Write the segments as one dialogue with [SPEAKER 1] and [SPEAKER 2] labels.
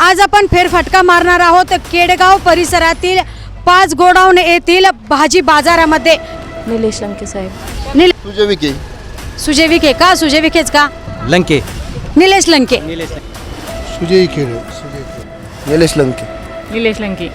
[SPEAKER 1] आज आपण फेरफटका मारणार आहोत केडगाव परिसरातील 5 गोडाऊन येथील भाजी बाजारामध्ये।
[SPEAKER 2] निलेश लंके साहेब।
[SPEAKER 1] सुजय विखे का? सुजय विखेच का?
[SPEAKER 3] लंके।
[SPEAKER 1] निलेश लंके।
[SPEAKER 4] सुजय विखे। निलेश लंके।
[SPEAKER 2] निलेश लंके।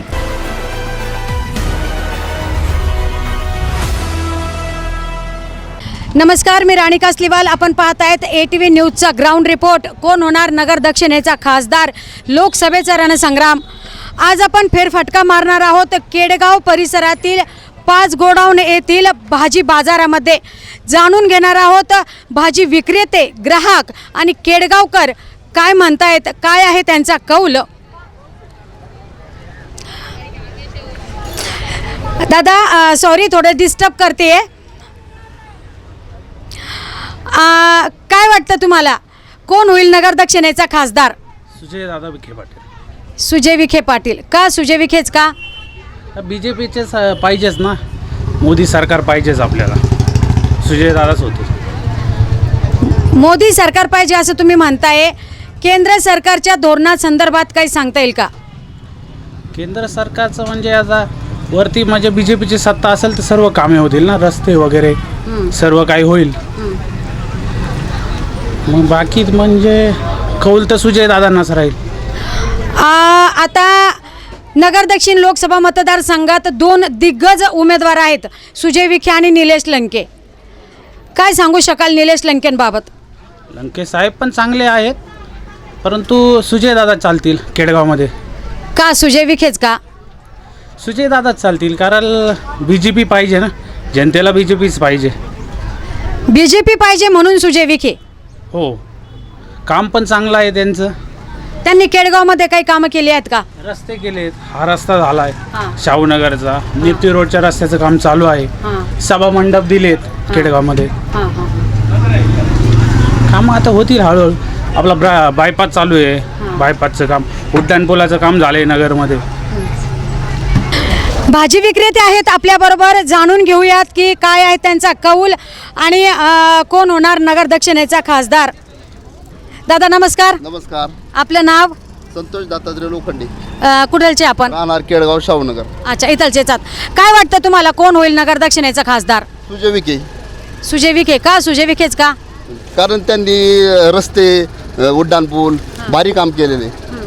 [SPEAKER 1] नमस्कार, मी राणी कासलीवाल। आपण पाहत आहेत ATV न्यूजचा ग्राउंड रिपोर्ट। कोण होणार नगर दक्षिणेचा खासदार, लोकसभेचा रणसंग्राम। आज आपण फेरफटका मारणार आहोत केडगाव परिसरातील 5 गोडाऊन येथील भाजी बाजारामध्ये। जाणून घेणार आहोत भाजी विक्रेते, ग्राहक आणि केडगावकर काय म्हणतायत, काय आहे त्यांचा कौल। दादा सॉरी, थोडं डिस्टर्ब करते। काय वाटतं तुम्हाला, कोण होईल नगर दक्षिणेचा खासदार?
[SPEAKER 3] सुजय दादा विखे पाटील।
[SPEAKER 1] सुजय विखे पाटील का? सुजय विखेच का?
[SPEAKER 3] बीजेपीचेच पाहिजेच ना, मोदी सरकार पाहिजेच आपल्याला, सुजय दादाच होते।
[SPEAKER 1] मोदी सरकार पाहिजे असं तुम्ही म्हणताय। केंद्र सरकारच्या धोरणासंदर्भात काही सांगता येईल का?
[SPEAKER 3] केंद्र सरकारचं म्हणजे आता वरती म्हणजे बीजेपीची सत्ता असेल तर सर्व कामे होतील ना, रस्ते वगैरे सर्व काही होईल। मग बाकी म्हणजे कौल तर सुजय दादांनाच राहील।
[SPEAKER 1] आता नगर दक्षिण लोकसभा मतदारसंघात 2 दिग्गज उमेदवार आहेत, सुजय विखे आणि निलेश लंके। काय सांगू शकाल निलेश लंकेंबाबत?
[SPEAKER 3] लंके साहेब पण चांगले आहेत, परंतु सुजय दादा चालतील केडगावमध्ये।
[SPEAKER 1] का सुजय विखेच का?
[SPEAKER 3] सुजय दादाच चालतील, कारण बीजेपी पाहिजे ना, जनतेला बीजेपीच पाहिजे।
[SPEAKER 1] बीजेपी पाहिजे म्हणून सुजय विखे?
[SPEAKER 3] हो, काम पण चांगलं आहे त्यांचं।
[SPEAKER 1] त्यांनी केडगावमध्ये काही कामं केली आहेत का?
[SPEAKER 3] रस्ते केलेत, हा रस्ता झाला आहे
[SPEAKER 1] हां.
[SPEAKER 3] शाहूनगरचा, निप्ती रोडच्या रस्त्याचं काम चालू आहे। सभा मंडप दिलेत केडगावमध्ये, कामं आता होतील हळूहळू। आपला बायपास चालू आहे, बायपासचं काम, उड्डाणपुलाचं काम झालं आहे नगरमध्ये।
[SPEAKER 1] भाजी विक्रेते आहेत आपल्याबरोबर, जाणून घेऊयात की काय आहे त्यांचा कौल आणि कोण होणार नगर दक्षिणेचा खासदार। दादा नमस्कार।
[SPEAKER 4] नमस्कार।
[SPEAKER 1] आपलं नाव?
[SPEAKER 4] संतोष दत्तात्रय लोखंडे।
[SPEAKER 1] कुठलचे आपण?
[SPEAKER 4] राहणार केडगाव शाहूनगर।
[SPEAKER 1] अच्छा, इथलचेच आहात। काय वाटतं तुम्हाला, कोण होईल नगर दक्षिणेचा खासदार?
[SPEAKER 4] सुजय विखे।
[SPEAKER 1] सुजय विखे का? सुजय विखेच का?
[SPEAKER 4] कारण त्यांनी रस्ते, उड्डाणपूल भारी काम केलेले।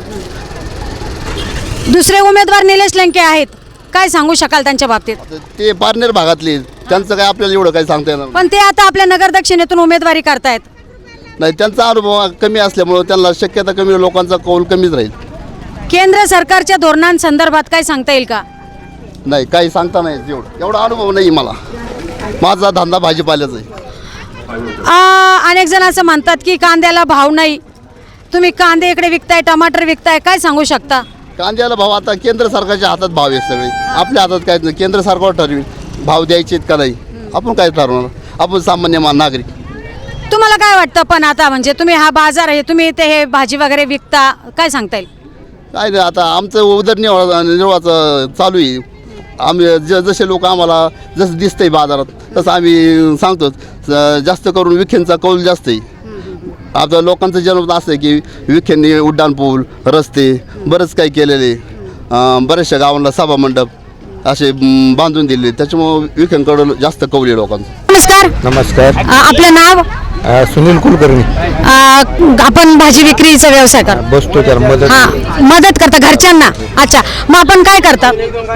[SPEAKER 1] दुसरे उमेदवार निलेश लंके आहेत, काय सांगू शकाल त्यांच्या बाबतीत?
[SPEAKER 4] ते पारनेर भागातले, त्यांचं काय आपल्याला एवढं काही सांगता येणार
[SPEAKER 1] पण ते आता आपल्या नगर दक्षिणेतून उमेदवारी करतायत।
[SPEAKER 4] नाही, त्यांचा अनुभव कमी असल्यामुळे त्यांना शक्यता कमी, लोकांचा कौल कमीच राहील।
[SPEAKER 1] केंद्र सरकारच्या धोरणांसंदर्भात काय सांगता येईल का?
[SPEAKER 4] नाही, काही सांगता नाही, एवढा अनुभव नाही मला। माझा धंदा भाजीपाल्याचा आहे।
[SPEAKER 1] अनेक जण असं म्हणतात की कांद्याला भाव नाही, तुम्ही कांदे इकडे विकताय, टमाटर विकताय, काय सांगू शकता?
[SPEAKER 4] कांद्याला भाव आता केंद्र सरकारच्या हातात भाव आहे सगळे, आपल्या हातात काय नाही। केंद्र सरकार ठरवेल भाव द्यायचे का नाही, आपण काय ठरवणार, आपण सामान्य नागरिक।
[SPEAKER 1] तुम्हाला काय वाटतं पण आता, म्हणजे तुम्ही हा बाजार आहे, तुम्ही इथे हे भाजी वगैरे विकता, काय सांगता येईल?
[SPEAKER 4] काय नाही, आता आमचं उदरनिर्वाहाचं चालू आहे। आम्ही जसे लोक आम्हाला जसं दिसतंय बाजारात तसं आम्ही सांगतो। जास्त करून विखेंचा कौल जास्त आहे। आता लोकांचं जन्म असं आहे की विखेंनी उड्डाणपूल, रस्ते बरंच काही केलेले, बऱ्याचशा गावांना सभा मंडप असे बांधून दिले, त्याच्यामुळे विखेंकडं जास्त कौल आहे लोकांचं।
[SPEAKER 1] नमस्कार।
[SPEAKER 5] नमस्कार।
[SPEAKER 1] आपलं नाव?
[SPEAKER 5] सुनील कुलकर्णी।
[SPEAKER 1] आपण भाजी विक्रीचा व्यवसाय करतो?
[SPEAKER 5] बसतो त्याला मदत।
[SPEAKER 1] मदत करता घरच्यांना? अच्छा, मग आपण काय करता?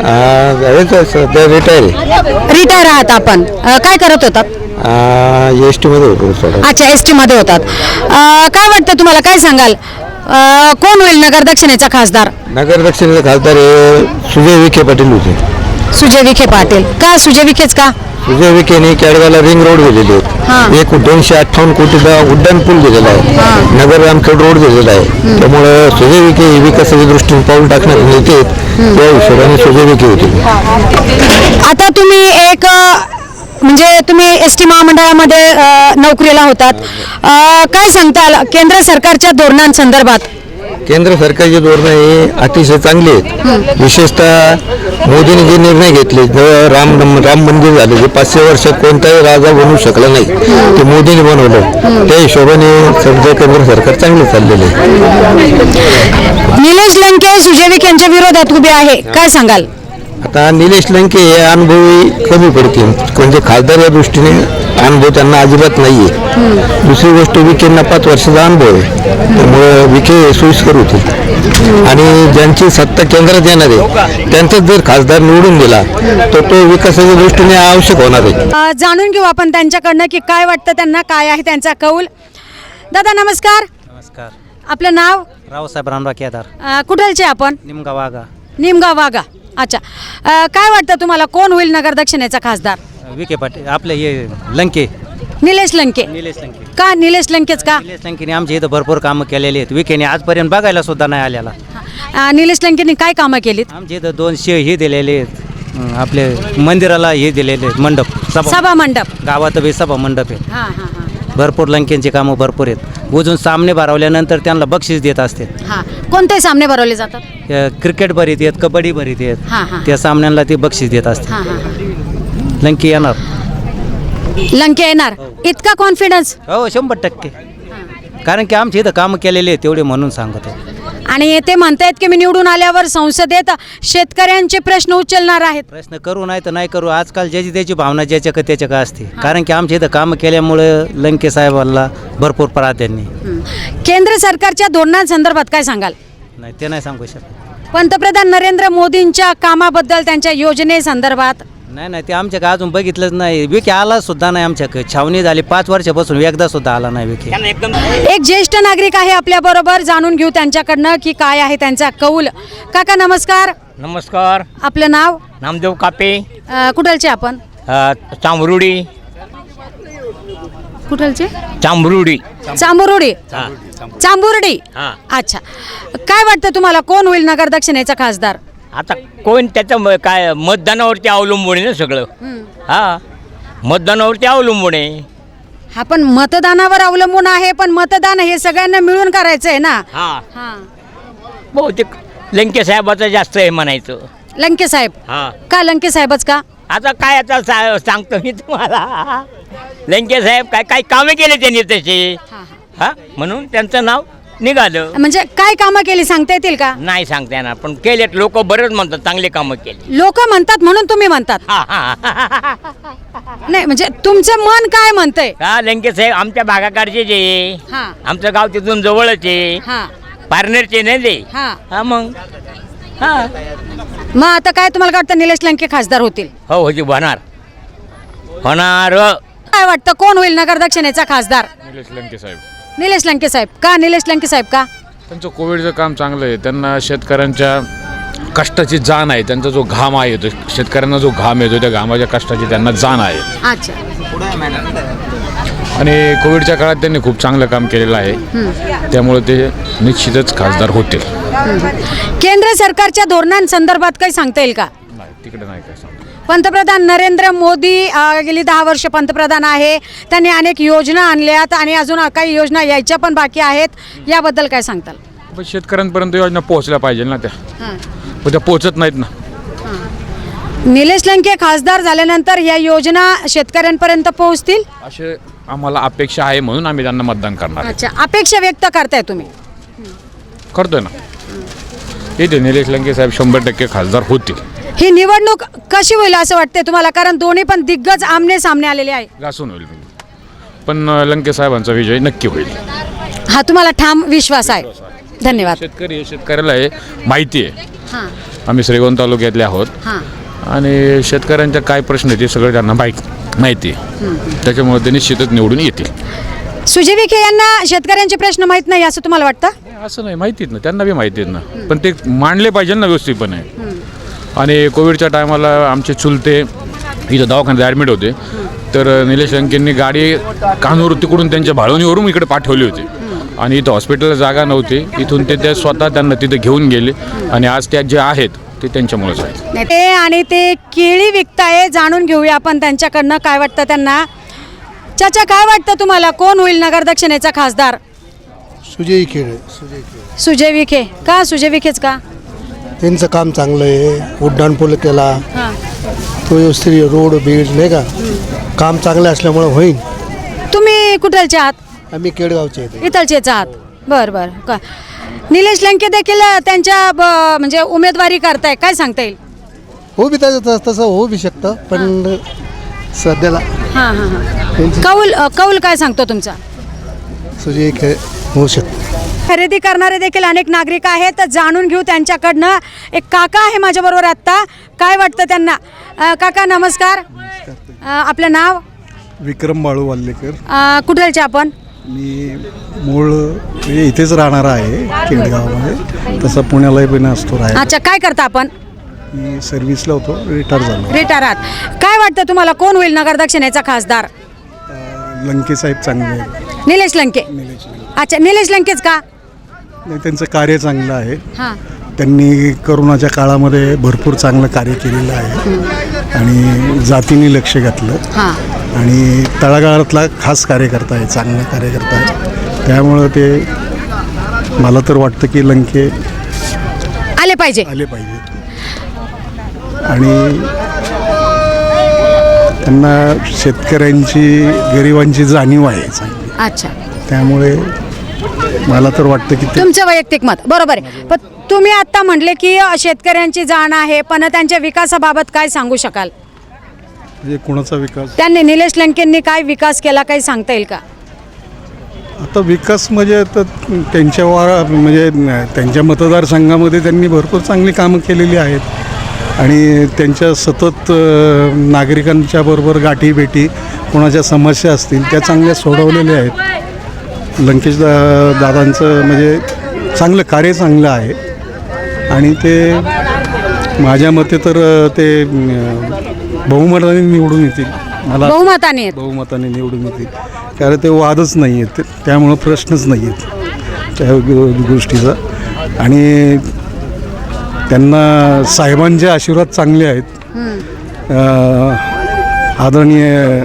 [SPEAKER 1] रिटायर आहात आपण? काय करत होतात?
[SPEAKER 5] एस टी मध्ये होतो।
[SPEAKER 1] अच्छा, ST मध्ये होतात। काय वाटतं तुम्हाला, काय सांगाल, कोण होईल नगर दक्षिणेचा खासदार?
[SPEAKER 5] नगर दक्षिणेचे खासदार हे सुजय विखे पाटील होते।
[SPEAKER 1] सुजय विखे पाटील का? सुजय विखेच का?
[SPEAKER 5] सुजय विखेने केडगावला रिंग रोड दिलेले आहेत, 258 कोटीचा उड्डाणपूल दिलेला आहे, नगर रामखेड रोड दिलेला आहे। त्यामुळे सुजय विखे हे विकासाच्या दृष्टीने पाऊल टाकण्यात नेते, त्या हिशोबाने सुजय विखे होते।
[SPEAKER 1] आता तुम्ही एक म्हणजे तुम्ही ST महामंडळामध्ये नोकरीला होतात, काय सांगताल केंद्र सरकारच्या धोरणांसंदर्भात?
[SPEAKER 5] केंद्र सरकारची धोरणं ही अतिशय चांगली आहेत। विशेषतः मोदींनी जे निर्णय घेतले जेव्हा राम मंदिर झाले जे 500 वर्षात कोणताही राजा बनवू शकला नाही ते मोदींनी बनवलं. त्या हिशोबाने सध्या केंद्र सरकार चांगले चाललेले आहे.
[SPEAKER 1] निलेश लंके सुजय विखे यांच्या विरोधात उभे आहे, काय सांगाल?
[SPEAKER 5] आता निलेश लंके हे अनुभवी कमी पडतील म्हणजे खासदार या दृष्टीने अनुभव त्यांना अजिबात नाही आहे. दुसरी गोष्ट विखेंना 5 वर्षाचा अनुभव आहे त्यामुळे विखे सोयीस्कर होतील आणि ज्यांची सत्ता केंद्रात येणार आहे त्यांचाच जर खासदार निवडून गेला तर तो विकासाच्या दृष्टीने आवश्यक होणार आहे.
[SPEAKER 1] जाणून घेऊ आपण त्यांच्याकडनं की काय वाटतं त्यांना, काय आहे त्यांचा कौल. दादा नमस्कार.
[SPEAKER 6] नमस्कार.
[SPEAKER 1] आपलं नाव?
[SPEAKER 6] रावसाहेब रामराव केदार,
[SPEAKER 1] कुठलचे आपण?
[SPEAKER 6] निमगाव वाघा.
[SPEAKER 1] निमगाव वाघा. अच्छा, काय वाटतं तुम्हाला कोण होईल नगर दक्षिणेचा खासदार?
[SPEAKER 6] विखे पाटील आपले हे लंके.
[SPEAKER 1] निलेश लंके.
[SPEAKER 6] निलेश लंके.
[SPEAKER 1] का निलेश लंकेच का?
[SPEAKER 6] निलेश लंकेने आमच्या इथं भरपूर कामं केलेली आहेत. विखेने आजपर्यंत बघायला सुद्धा नाही आलेला.
[SPEAKER 1] निलेश लंकेने काय कामं केलीत?
[SPEAKER 6] आमच्या इथं 200 हे दिलेले आहेत, आपले मंदिराला हे दिलेले आहेत, मंडप
[SPEAKER 1] सभा मंडप.
[SPEAKER 6] गावात बी सभा मंडप आहे.
[SPEAKER 1] हां हां हां
[SPEAKER 6] भरपूर लंकेंची कामं भरपूर आहेत. अजून सामने भरवल्यानंतर त्यांना बक्षीस देत असते.
[SPEAKER 1] हां. कोणते सामने भरवले जातात?
[SPEAKER 6] क्रिकेट भरीत आहेत, कबड्डी भरीत
[SPEAKER 1] हां, हां.
[SPEAKER 6] आहेत, त्या सामन्यांना ते बक्षीस देत असते.
[SPEAKER 1] हां हां.
[SPEAKER 6] लंके येणार.
[SPEAKER 1] लंके येणार, इतका कॉन्फिडन्स?
[SPEAKER 6] हो 100%. कारण की आमच्या इथं कामं केलेले आहेत तेवढे म्हणून सांगतो.
[SPEAKER 1] आणि ते म्हणतायत की मी निवडून आल्यावर संसदेत शेतकऱ्यांचे प्रश्न उचलणार आहेत.
[SPEAKER 6] प्रश्न करू नाही तर नाही करू, आजकाल ज्याची त्याची भावना ज्याच्या का त्याच्या का असते. कारण की आमच्या इथं कामं केल्यामुळं लंके साहेबांना भरपूर प्राधान्य.
[SPEAKER 1] केंद्र सरकारच्या धोरणांसंदर्भात काय सांगाल?
[SPEAKER 6] नाही ते नाही सांगू शकत.
[SPEAKER 1] पंतप्रधान नरेंद्र मोदींच्या कामाबद्दल, त्यांच्या योजनेसंदर्भात?
[SPEAKER 6] नाही ते आमच्या का अजून बघितलंच नाही. विखे आला सुद्धा नाही आमच्याकडे. छावणी झाली 5 वर्षापासून, एकदा सुद्धा आला नाही विखे.
[SPEAKER 1] एक ज्येष्ठ नागरिक आहे आपल्या बरोबर, जाणून घेऊ त्यांच्याकडनं की काय आहे त्यांचा कौल. काका नमस्कार.
[SPEAKER 7] नमस्कार.
[SPEAKER 1] आपलं नाव?
[SPEAKER 7] नामदेव कापे,
[SPEAKER 1] कुठलचे आपण?
[SPEAKER 7] चांभरुडी.
[SPEAKER 1] कुठलचे?
[SPEAKER 7] चांभरुडी.
[SPEAKER 1] चांबुर्डी. चांबुर्डी.
[SPEAKER 7] हां.
[SPEAKER 1] अच्छा, काय वाटतं तुम्हाला कोण होईल नगर दक्षिणेचा खासदार?
[SPEAKER 7] आता कोण त्याचं काय मतदानावरती अवलंबून आहे ना सगळं. हा, मतदानावरती अवलंबून आहे.
[SPEAKER 1] हा, पण मतदानावर अवलंबून आहे, पण मतदान हे सगळ्यांना मिळून करायचं आहे ना.
[SPEAKER 7] हा,
[SPEAKER 1] हा.
[SPEAKER 7] बहुतेक लंके साहेबाचं जास्त आहे म्हणायचं.
[SPEAKER 1] लंके साहेब.
[SPEAKER 7] हा,
[SPEAKER 1] का लंके साहेबच का?
[SPEAKER 7] आता काय आता सांगतो मी तुम्हाला. लंके साहेब काय काय कामे केले त्यांनी तसे. हा, म्हणून त्यांचं नाव निघालं.
[SPEAKER 1] म्हणजे काय कामं केली सांगता येतील का?
[SPEAKER 7] नाही सांगता येणार, पण केलेत लोक बरेच म्हणतात चांगले कामं केली.
[SPEAKER 1] लोक म्हणतात म्हणून तुम्ही म्हणतात?
[SPEAKER 7] हा हा.
[SPEAKER 1] नाही म्हणजे तुमचं मन काय म्हणतंय?
[SPEAKER 7] हा, लंके साहेब आमच्या भागाकडचे जे,
[SPEAKER 1] हा.
[SPEAKER 7] आमचं गाव तिथून जवळच आहे,
[SPEAKER 1] हा
[SPEAKER 7] पारनेरचे नाही ते.
[SPEAKER 1] हा.
[SPEAKER 7] हा, मग हा,
[SPEAKER 1] मग आता काय तुम्हाला वाटतं निलेश लंके खासदार होतील?
[SPEAKER 7] हो होती होणार.
[SPEAKER 1] काय वाटतं कोण होईल नगर दक्षिणेचा खासदार?
[SPEAKER 8] निलेश लंके साहेब.
[SPEAKER 1] निलेश लंके साहेब. का निलेश लंके साहेब का?
[SPEAKER 8] त्यांचं कोविडचं काम चांगलं आहे. त्यांना शेतकऱ्यांच्या कष्टाची जाण आहे. त्यांचा जो घाम आहे तो शेतकऱ्यांना जो घाम येतो त्या घामाच्या कष्टाची त्यांना जाण आहे.
[SPEAKER 1] अच्छा.
[SPEAKER 8] आणि कोविडच्या काळात त्यांनी खूप चांगलं काम केलेलं आहे. त्यामुळे ते निश्चितच खासदार होतील.
[SPEAKER 1] केंद्र सरकारच्या धोरणांसंदर्भात काही सांगता येईल का?
[SPEAKER 8] नाही, तिकडे नाही काय सांगतो.
[SPEAKER 1] पंतप्रधान नरेंद्र मोदी गेली 10 वर्ष पंतप्रधान आहे. त्यांनी अनेक योजना आणल्यात आणि अजून काही योजना यायच्या पण बाकी आहेत. याबद्दल काय सांगताल?
[SPEAKER 8] पण शेतकऱ्यांपर्यंत योजना पोहोचल्या पाहिजे ना त्या, पण त्या पोहोचत नाहीत ना.
[SPEAKER 1] निलेश लंके खासदार झाल्यानंतर या योजना शेतकऱ्यांपर्यंत पोहोचतील
[SPEAKER 8] असे आम्हाला अपेक्षा आहे, म्हणून आम्ही त्यांना मतदान करणार आहे.
[SPEAKER 1] अच्छा, अपेक्षा व्यक्त करताय तुम्ही?
[SPEAKER 8] करतोय ना. येते निलेश लंके साहेब 100% खासदार होतील.
[SPEAKER 1] ही निवडणूक कशी होईल असं वाटतंय तुम्हाला? कारण दोन्ही पण दिग्गज आमने सामने आलेले आहे.
[SPEAKER 8] घासून होईल, पण लंके साहेबांचा विजय नक्की होईल.
[SPEAKER 1] हा तुम्हाला ठाम विश्वास आहे. धन्यवाद.
[SPEAKER 8] शेतकऱ्याला हे माहिती आहे.
[SPEAKER 1] हां
[SPEAKER 8] आम्ही श्रीगोंदा तालुक्यातले आहोत
[SPEAKER 1] हां.
[SPEAKER 8] आणि शेतकऱ्यांच्या काय प्रश्न आहेत ते सगळं त्यांना माहिती आहे. त्याच्यामुळे ते निश्चितच निवडून येतील.
[SPEAKER 1] सुजय विखे यांना शेतकऱ्यांचे प्रश्न माहीत नाही असं तुम्हाला वाटतं?
[SPEAKER 8] असं नाही, माहिती आहेत ना, त्यांना बी माहिती आहेत ना, पण ते मांडले पाहिजे ना व्यवस्थितपणे. आणि कोविडच्या टायमाला आमचे चुलते इथं दवाखान्यात ॲडमिट होते, तर निलेश लंकेंनी गाडी कानूर तिकडून त्यांच्या भाळवणीवरून इकडे पाठवली होती. आणि इथं हॉस्पिटलला जागा नव्हती, इथून ते स्वतः त्यांना तिथे घेऊन गेले. आणि आज त्या जे आहेत ते त्यांच्यामुळेच आहेत.
[SPEAKER 1] ते आणि ते केळी विकताय, जाणून घेऊया आपण त्यांच्याकडनं काय वाटतं त्यांना. चाचा काय वाटतं तुम्हाला कोण होईल नगर दक्षिणेचा खासदार?
[SPEAKER 9] सुजय विखे.
[SPEAKER 1] सुजय विखे. का सुजय विखेच का?
[SPEAKER 9] त्यांचं काम चांगलं आहे. उड्डाणपूल केला,
[SPEAKER 1] हां.
[SPEAKER 9] तो व्यवस्थित रोड बीड नाही का, काम चांगलं असल्यामुळं होईल.
[SPEAKER 1] तुम्ही कुठलचे आहात?
[SPEAKER 9] आम्ही केडगावचे आहे.
[SPEAKER 1] इथलचेच आहात. बरं बरं का निलेश लंके देखील त्यांच्या म्हणजे उमेदवारी करताय, काय सांगता येईल?
[SPEAKER 9] हो बी तसं होऊ बी शकतं, पण सध्याला
[SPEAKER 1] हां हां हां.
[SPEAKER 9] त्यांची
[SPEAKER 1] कौल काय सांगतो तुमचा?
[SPEAKER 9] सुजय होऊ शकतं.
[SPEAKER 1] खरेदी करणारे देखील अनेक नागरिक आहेत, तर जाणून घेऊ त्यांच्याकडनं. एक काका आहे माझ्याबरोबर आत्ता, काय वाटतं त्यांना? काका नमस्कार. आपलं नाव?
[SPEAKER 10] विक्रम बाळू वाल्लेकर.
[SPEAKER 1] कुठलचे आपण?
[SPEAKER 10] मी मूळ म्हणजे इथेच राहणार आहे केडगावमध्ये, तसं पुण्यालाही पण असतो राहायला.
[SPEAKER 1] अच्छा, काय करता आपण?
[SPEAKER 10] मी सर्व्हिसला होतो, रिटायर झालो.
[SPEAKER 1] रिटायर आहात. काय वाटतं तुम्हाला कोण होईल नगर दक्षिणेचा खासदार?
[SPEAKER 10] लंके साहेब चांगले आहेत.
[SPEAKER 1] निलेश लंके. अच्छा, निलेश लंकेच का?
[SPEAKER 10] नाही, त्यांचं कार्य चांगलं आहे.
[SPEAKER 1] हां.
[SPEAKER 10] त्यांनी करोनाच्या काळामध्ये भरपूर चांगलं कार्य केलेलं आहे आणि जातीने लक्ष घातलं
[SPEAKER 1] हां.
[SPEAKER 10] आणि तळागाळातला खास कार्यकर्ता आहे, चांगला कार्यकर्ता आहे. त्यामुळं ते मला तर वाटतं की लंके
[SPEAKER 1] आले पाहिजे.
[SPEAKER 10] आणि त्यांना शेतकऱ्यांची गरिबांची जाणीव आहे चांगली.
[SPEAKER 1] अच्छा,
[SPEAKER 10] त्यामुळे मला तर वाटतं की ते
[SPEAKER 1] तुमचं वैयक्तिक मत बरोबर आहे. पण तुम्ही आता म्हटले की शेतकऱ्यांची जाण आहे, पण त्यांच्या विकासाबाबत काय सांगू शकाल?
[SPEAKER 10] म्हणजे कुणाचा विकास?
[SPEAKER 1] त्यांनी निलेश लंकेंनी काय विकास केला, काही सांगता येईल का?
[SPEAKER 10] आता विकास म्हणजे आता म्हणजे त्यांच्या मतदारसंघामध्ये त्यांनी भरपूर चांगली कामं केलेली आहेत आणि त्यांच्या सतत नागरिकांच्या बरोबर गाठीभेटी, कोणाच्या समस्या असतील त्या चांगल्या सोडवलेल्या आहेत. लंकेश दादांचं म्हणजे चांगलं कार्य चांगलं आहे आणि ते माझ्या मते तर ते बहुमताने निवडून येतील. मला बहुमताने निवडून येतील, कारण ते वादच नाही आहेत, त्यामुळं प्रश्नच नाही आहेत त्या गोष्टीचा. आणि त्यांना साहेबांचे आशीर्वाद चांगले आहेत. आदरणीय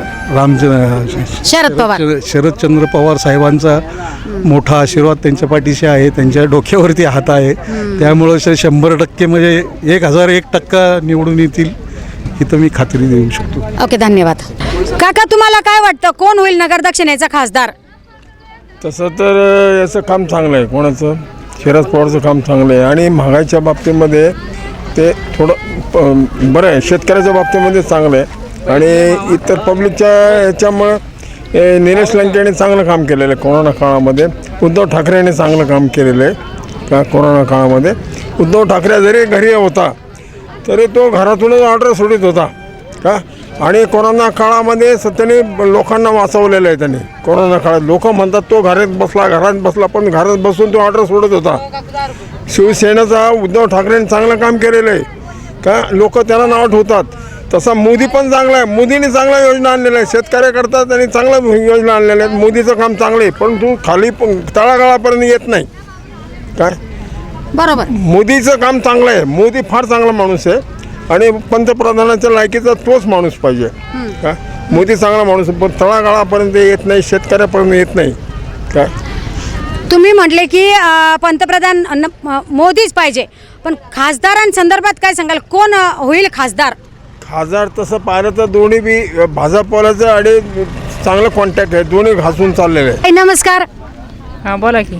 [SPEAKER 10] शरदचंद्र पवार साहेबांचा मोठा आशीर्वाद त्यांच्या पाठीशी आहे, त्यांच्या डोक्यावरती हात आहे. त्यामुळं 100% म्हणजे 1001% निवडून येतील ही तर मी खात्री देऊ शकतो.
[SPEAKER 1] ओके, धन्यवाद. काका, तुम्हाला काय वाटतं कोण होईल नगर दक्षिणेचा खासदार?
[SPEAKER 11] तसं तर याचं काम चांगलं आहे, कोणाचं? शरद पवारचं काम चांगलं आहे आणि महागाईच्या बाबतीमध्ये ते थोडं बरं आहे, शेतकऱ्याच्या बाबतीमध्ये चांगलं आहे आणि इतर पब्लिकच्या याच्यामुळं निलेश लंके यांनी चांगलं काम केलेलं आहे. कोरोना काळामध्ये उद्धव ठाकरे यांनी चांगलं काम केलेलं आहे का? कोरोना काळामध्ये उद्धव ठाकरे जरी घरी होता तरी तो घरातूनच ऑर्डर सोडित होता का? आणि कोरोना काळामध्ये त्याने लोकांना वाचवलेलं आहे त्यांनी. कोरोना काळात लोक म्हणतात तो घरात बसला, पण घरात बसून तो ऑर्डर सोडत होता. शिवसेनेचा उद्धव ठाकरेंनी चांगलं काम केलेलं आहे का? लोक त्याला नाव ठेवतात. तसा मोदी पण चांगला आहे, मोदीने चांगल्या योजना आणलेल्या आहेत, शेतकऱ्याकरता त्यांनी चांगल्या योजना आणलेल्या आहेत. मोदीचं काम चांगलं आहे, पण तू खाली तळागाळापर्यंत येत नाही काय?
[SPEAKER 1] बरोबर,
[SPEAKER 11] मोदीचं काम चांगलं आहे, मोदी फार चांगला माणूस आहे आणि पंतप्रधानाच्या लायकीचा तोच माणूस पाहिजे का? मोदी चांगला माणूस पण तळागाळापर्यंत येत नाही, शेतकऱ्यापर्यंत येत नाही काय?
[SPEAKER 1] तुम्ही म्हटले की पंतप्रधान मोदीच पाहिजे, पण खासदारांसंदर्भात काय सांगाल? कोण होईल खासदार?
[SPEAKER 11] खासदार तसं पाहिलं तर दोन्ही बी भाजपवाल्याचं आणि चांगलं कॉन्टॅक्ट आहे, दोन्ही घासून चाललेले आहे.
[SPEAKER 1] नमस्कार.
[SPEAKER 2] हां, बोला की.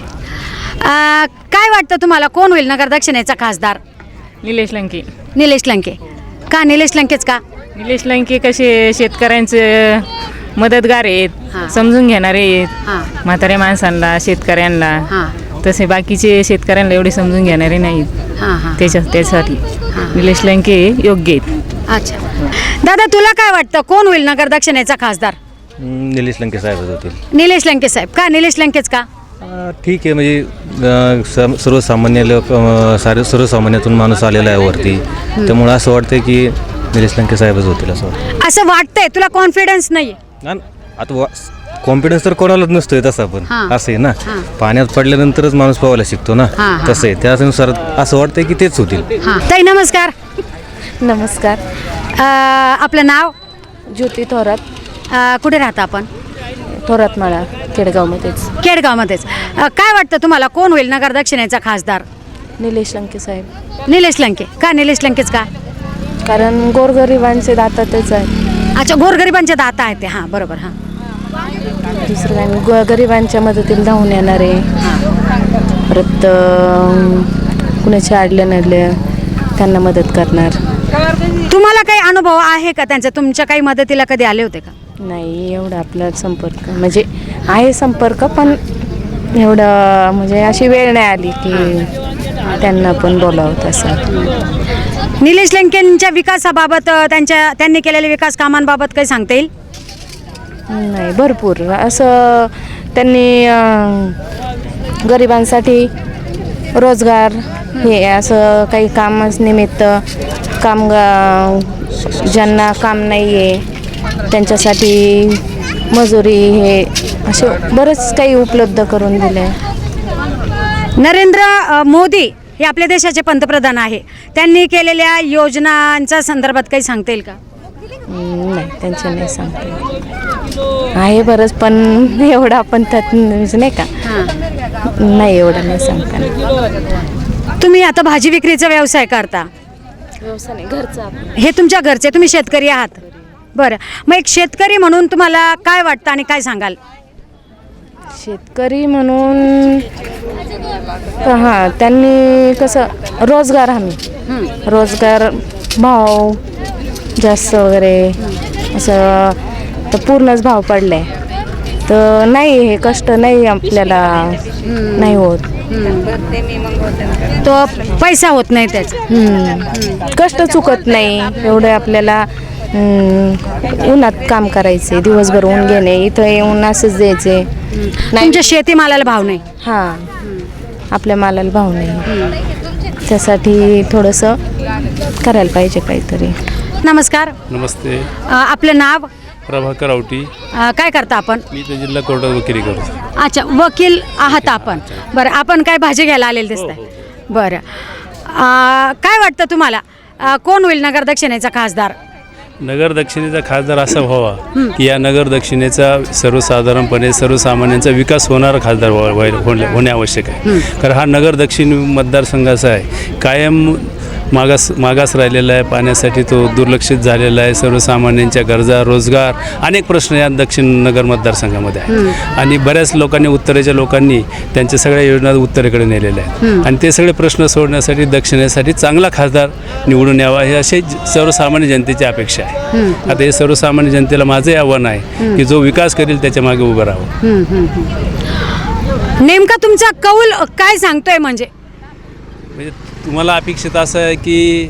[SPEAKER 1] काय वाटतं तुम्हाला कोण होईल नगर दक्षिणेचा खासदार?
[SPEAKER 2] निलेश लंके.
[SPEAKER 1] निलेश लंके का? निलेश लंकेच का?
[SPEAKER 2] निलेश लंके कसे शेतकऱ्यांचे मदतगार आहेत, समजून घेणारे आहेत, म्हाताऱ्या माणसांना, शेतकऱ्यांना. तसे बाकीचे शेतकऱ्यांना एवढे समजून घेणारे नाहीत. त्यासाठी निलेश लंके योग्य आहेत.
[SPEAKER 1] अच्छा दादा, तुला काय वाटतं कोण होईल नगर दक्षिणेचा खासदार?
[SPEAKER 6] निलेश लंके साहेब होतील.
[SPEAKER 1] निलेश लंके साहेब का? निलेश लंकेच का?
[SPEAKER 6] ठीक आहे, म्हणजे सर्वसामान्य लोक सर्वसामान्यातून माणूस आलेला आहे वरती, त्यामुळे असं वाटतं की निलेश लंके साहेबच होतील
[SPEAKER 1] असं वाटतंय. तुला कॉन्फिडन्स नाही?
[SPEAKER 6] आता कॉन्फिडन्स तर कोणालाच नसतोय तसा, पण असं आहे ना, पाण्यात पडल्यानंतरच माणूस पोहायला शिकतो ना, तसं आहे. त्यानुसार असं वाटतंय की तेच होतील.
[SPEAKER 1] ताई नमस्कार.
[SPEAKER 2] नमस्कार.
[SPEAKER 1] आपलं नाव?
[SPEAKER 2] ज्योती थोरात.
[SPEAKER 1] कुठे राहता आपण?
[SPEAKER 2] थोरातमाळा, केडगावमध्येच.
[SPEAKER 1] केडगावमध्येच. काय वाटतं तुम्हाला कोण होईल नगर दक्षिणेचा खासदार?
[SPEAKER 12] निलेश लंके साहेब.
[SPEAKER 1] निलेश लंके का? निलेश लंकेच का?
[SPEAKER 12] कारण गोरगरिबांचे दाता तेच आहे.
[SPEAKER 1] अच्छा, गोरगरिबांचे दाता आहेत ते. हां, बरोबर. हां,
[SPEAKER 12] दुसरं काही गरिबांच्या मदतीला धावून येणारे. परत कुणाचे अडले नडले त्यांना मदत करणार.
[SPEAKER 1] तुम्हाला काही अनुभव आहे का त्यांचा? तुमच्या काही मदतीला कधी आले होते का?
[SPEAKER 12] नाही, एवढा आपला संपर्क म्हणजे आहे संपर्क, पण एवढं म्हणजे अशी वेळ नाही आली की त्यांना पण बोलावं तसं.
[SPEAKER 1] निलेश लंकेंच्या विकासाबाबत, त्यांनी केलेल्या विकास कामांबाबत काही सांगता येईल?
[SPEAKER 12] नाही, भरपूर असं त्यांनी गरिबांसाठी रोजगार हे असं काही कामानिमित्त ज्यांना काम नाही आहे त्यांच्यासाठी मजुरी हे असे बरंच काही उपलब्ध करून दिले.
[SPEAKER 1] नरेंद्र मोदी हे आपल्या देशाचे पंतप्रधान आहे. त्यांनी केलेल्या योजनांच्या संदर्भात काही सांगता येईल का?
[SPEAKER 12] नाही, त्यांचे नाही सांगते. आहे बरंच, पण एवढं आपण त्यात नाही का, नाही एवढं नाही सांगता.
[SPEAKER 1] तुम्ही आता भाजी विक्रीचा व्यवसाय करता?
[SPEAKER 12] व्यवसाय नाही, घरचा.
[SPEAKER 1] हे तुमच्या घरचे, तुम्ही शेतकरी आहात. बरं, मग एक शेतकरी म्हणून तुम्हाला काय वाटतं आणि काय सांगाल?
[SPEAKER 12] शेतकरी म्हणून हां, त्यांनी कसं रोजगार हमी, रोजगार भाव जास्त वगैरे असं तर पूर्णच भाव पडले तर नाही, हे कष्ट नाही आपल्याला नाही होत.
[SPEAKER 1] तो पैसा होत नाही त्याचा.
[SPEAKER 12] कष्ट चुकत नाही एवढं आपल्याला. उन्हात काम करायचे, दिवसभर ऊन घेणे, इथं येऊन असंच द्यायचे.
[SPEAKER 1] तुमच्या शेतीमालाला भाव नाही?
[SPEAKER 12] हां, आपल्या मालाला भाव नाही. त्यासाठी थोडंसं करायला पाहिजे काहीतरी.
[SPEAKER 1] नमस्कार.
[SPEAKER 13] नमस्ते.
[SPEAKER 1] आपलं नाव?
[SPEAKER 13] प्रभाकर आवटी.
[SPEAKER 1] काय करता आपण?
[SPEAKER 13] मी तर जिल्हा कोर्टात वकिली करतो.
[SPEAKER 1] अच्छा, वकील आहात आपण. बरं, आपण काय भाजी घ्यायला आलेलं दिसतंय? बरं, काय वाटतं तुम्हाला कोण होईल नगर दक्षिणेचा खासदार?
[SPEAKER 13] नगर दक्षिणेचा खासदार असा व्हावा की या नगर दक्षिणेचा सर्वसाधारणपणे सर्वसामान्यांचा विकास होणारा खासदार होणे आवश्यक आहे. कारण हा नगर दक्षिण मतदारसंघ असा आहे कायम मागास राहिलेला आहे. पाण्यासाठी तो दुर्लक्षित झालेला आहे. सर्वसामान्यांच्या गरजा, रोजगार, अनेक प्रश्न या दक्षिण नगर मतदारसंघामध्ये आहेत. आणि बऱ्याच लोकांनी, उत्तरेच्या लोकांनी त्यांच्या सगळ्या योजना उत्तरेकडे नेलेल्या आहेत. आणि ते सगळे प्रश्न सोडण्यासाठी दक्षिणेसाठी चांगला खासदार निवडून यावा हे असे सर्वसामान्य जनतेची अपेक्षा आहे. आता हे सर्वसामान्य जनतेला माझंही आव्हान आहे की जो विकास करेल त्याच्या मागे उभं राहावं.
[SPEAKER 1] नेमका तुमचा कौल काय सांगतोय? म्हणजे
[SPEAKER 13] तुम्हाला अपेक्षित असं आहे की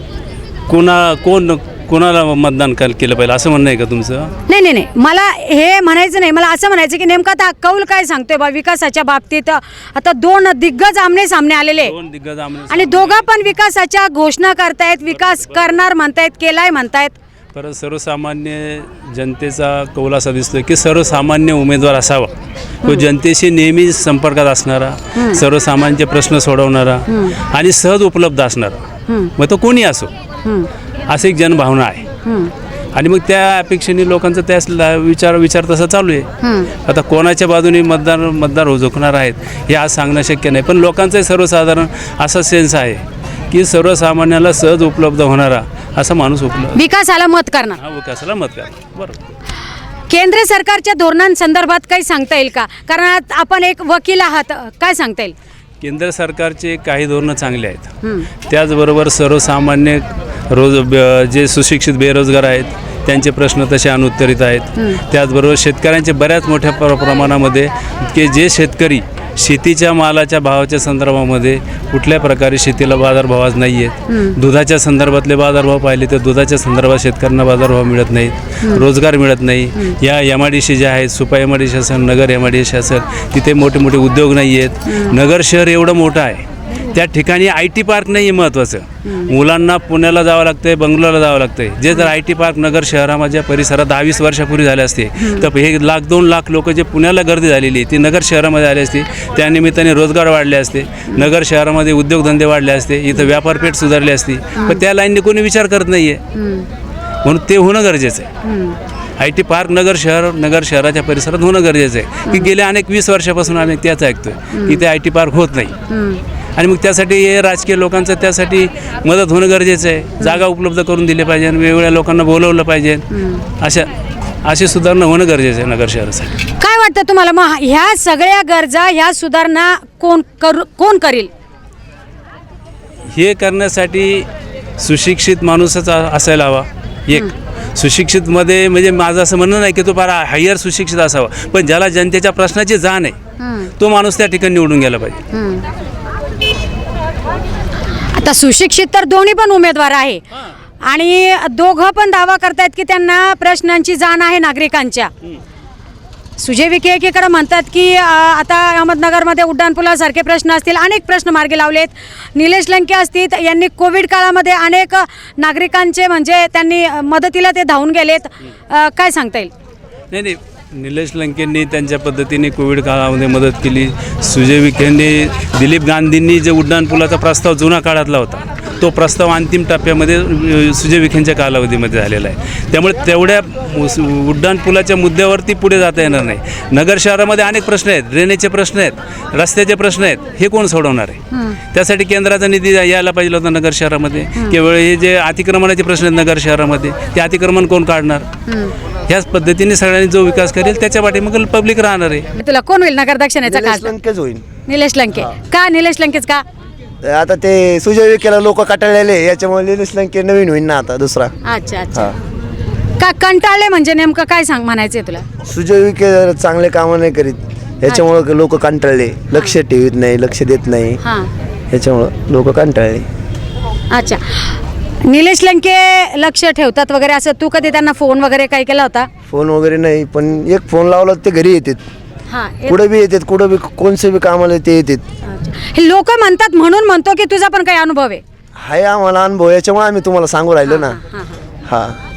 [SPEAKER 13] कोणाला मतदान केलं पाहिजे असं म्हणणं आहे का तुमचं?
[SPEAKER 1] नाही, मला हे म्हणायचं नाही. मला असं म्हणायचं की नेमका आता कौल काय सांगतोय बा विकासाच्या बाबतीत? आता दोन दिग्गज आमने सामने आलेले आणि दोघा पण विकासाच्या घोषणा करतायत, विकास करणार म्हणतायत, केलाय म्हणतायत.
[SPEAKER 13] परत सर्वसामान्य जनतेचा कौल असा दिसतोय की सर्वसामान्य उमेदवार असावा, तो जनतेशी नेहमी संपर्कात असणारा, सर्वसामान्यांचे प्रश्न सोडवणारा आणि सहज उपलब्ध असणारा, मग तो कोणी असो, अशी एक जनभावना आहे. आणि मग त्या अपेक्षेने लोकांचा त्या विचार तसा चालू आहे. आता कोणाच्या बाजूने मतदार झुकणार आहेत हे आज सांगणं शक्य नाही. पण लोकांचाही सर्वसाधारण असा सेन्स आहे की सर्वसामान्याला सहज उपलब्ध होणारा असा माणूस
[SPEAKER 1] विकासाला मत करणार.
[SPEAKER 13] विकासाला मत करणार. बरोबर.
[SPEAKER 1] केंद्र सरकारच्या धोरणांसंदर्भात काही सांगता येईल का? कारण आपण एक वकील आहात, काय सांगता येईल?
[SPEAKER 13] केंद्र सरकारचे काही धोरणं चांगले आहेत. त्याचबरोबर सर्वसामान्य जे सुशिक्षित बेरोजगार आहेत त्यांचे प्रश्न तसे अनुत्तरित आहेत. त्याचबरोबर शेतकऱ्यांचे बऱ्याच मोठ्या प्रमाणामध्ये की जे शेतकरी शेतीच्या मालाच्या भावाच्या संदर्भामध्ये कुठल्या प्रकारे शेतीला बाजारभाव आज नाही आहेत. दुधाच्या संदर्भातले बाजारभाव पाहिले तर दुधाच्या संदर्भात शेतकऱ्यांना बाजारभाव मिळत नाहीत, रोजगार मिळत नाही. या MIDC ज्या आहेत, सुपा MIDC असेल, नगर MIDC असेल, तिथे मोठे मोठे उद्योग नाही आहेत. नगर शहर एवढं मोठं आहे, त्या ठिकाणी IT पार्क नाही आहे महत्त्वाचं. मुलांना पुण्याला जावं लागतं आहे, बंगलोरला जावं लागतं आहे. जे जर IT पार्क नगर शहरामध्ये परिसरात 10-20 वर्षापूर्वी झाले असते तर हे 1-2 लाख लोक जे पुण्याला गर्दी झालेली ती नगर शहरामध्ये आली असती. त्यानिमित्ताने रोजगार वाढले असते, नगर शहरामध्ये उद्योगधंदे वाढले असते, इथं व्यापारपेठ सुधारली असती. पण त्या लाईनने कोणी विचार करत नाही आहे, म्हणून ते होणं गरजेचं आहे. IT पार्क नगर शहराच्या परिसरात होणं गरजेचं आहे. की गेल्या 20 वर्षापासून आम्ही त्याच ऐकतोय की ते IT पार्क होत नाही. आणि मग त्यासाठी हे राजकीय लोकांचं त्यासाठी मदत होणं गरजेचं आहे. जागा उपलब्ध करून दिल्या पाहिजे, वेगवेगळ्या लोकांना बोलवलं पाहिजे. अशी सुधारणा होणं गरजेचं आहे नगर शहरासाठी.
[SPEAKER 1] काय वाटतं तुम्हाला मग ह्या सगळ्या गरजा ह्या सुधारणा कोण करील?
[SPEAKER 13] हे करण्यासाठी सुशिक्षित माणूसच असायला हवा. एक सुशिक्षितमध्ये म्हणजे माझं असं म्हणणं नाही की तो फार हायर सुशिक्षित असावा, पण ज्याला जनतेच्या प्रश्नाची जाण आहे तो माणूस त्या ठिकाणी निवडून गेला पाहिजे.
[SPEAKER 1] आता सुशिक्षित तर दोन्ही पण उमेदवार आहे आणि दोघं पण दावा करतायत की त्यांना प्रश्नांची जाण आहे नागरिकांच्या. सुजय विखे एकीकडे म्हणतात की आता अहमदनगरमध्ये उड्डाणपुलासारखे प्रश्न असतील, अनेक प्रश्न मार्गी लावलेत. निलेश लंके असतील, यांनी कोविड काळामध्ये अनेक नागरिकांचे म्हणजे त्यांनी मदतीला ते धावून गेलेत. काय सांगता येईल?
[SPEAKER 13] नाही, निलेश लंकेंनी त्यांच्या पद्धतीने कोविड काळामध्ये मदत केली. सुजय विखेंनी, दिलीप गांधींनी जे उड्डाणपुलाचा प्रस्ताव जुना काळातला होता तो प्रस्ताव अंतिम टप्प्यामध्ये सुजय विखेंच्या कालावधीमध्ये झालेला आहे. त्यामुळे तेवढ्या उड्डाणपुलाच्या मुद्द्यावरती पुढे जाता येणार नाही. नगर शहरामध्ये अनेक प्रश्न आहेत, ड्रेनेजचे प्रश्न आहेत, रस्त्याचे प्रश्न आहेत, हे कोण सोडवणार आहे? त्यासाठी केंद्राचा निधी यायला पाहिजे होता नगर शहरामध्ये. केवळ हे जे अतिक्रमणाचे प्रश्न आहेत नगर शहरामध्ये, ते अतिक्रमण कोण काढणार? ह्याच पद्धतीने सगळ्यांनी जो विकास करेल त्याच्या पाठीमागे पब्लिक राहणार आहे.
[SPEAKER 1] तुला कोण होईल नगर दक्षिणेचा खासदार?
[SPEAKER 14] लंकेच होईल.
[SPEAKER 1] निलेश लंके. का निलेश लंकेच का?
[SPEAKER 14] आता ते सुजय विखेला लोक कटाळलेले, याच्यामुळे निलेश लंके नवीन होईल ना आता दुसरा.
[SPEAKER 1] अच्छा अच्छा. का कंटाळले म्हणजे नेमकं काय म्हणायचंय तुला?
[SPEAKER 14] सुजय विखे चांगले कामं नाही करीत, याच्यामुळे लोक कंटाळले, लक्ष ठेवीत नाही, लक्ष देत नाही, याच्यामुळं लोक कंटाळले.
[SPEAKER 1] अच्छा. निलेश लंके लक्ष ठेवतात वगैरे असं, तू कधी त्यांना फोन वगैरे काय केला होता?
[SPEAKER 14] फोन वगैरे नाही, पण एक फोन लावला ते घरी येतात, कुठं बी येतात, कुठं बी कोणसे बी कामाला ते येतात.
[SPEAKER 1] हे लोक म्हणतात म्हणून म्हणतो की तुझा पण काही अनुभव आहे?
[SPEAKER 14] हाय आम्हाला अनुभव, याच्यामुळे आम्ही तुम्हाला सांगू राहिलो ना. हा.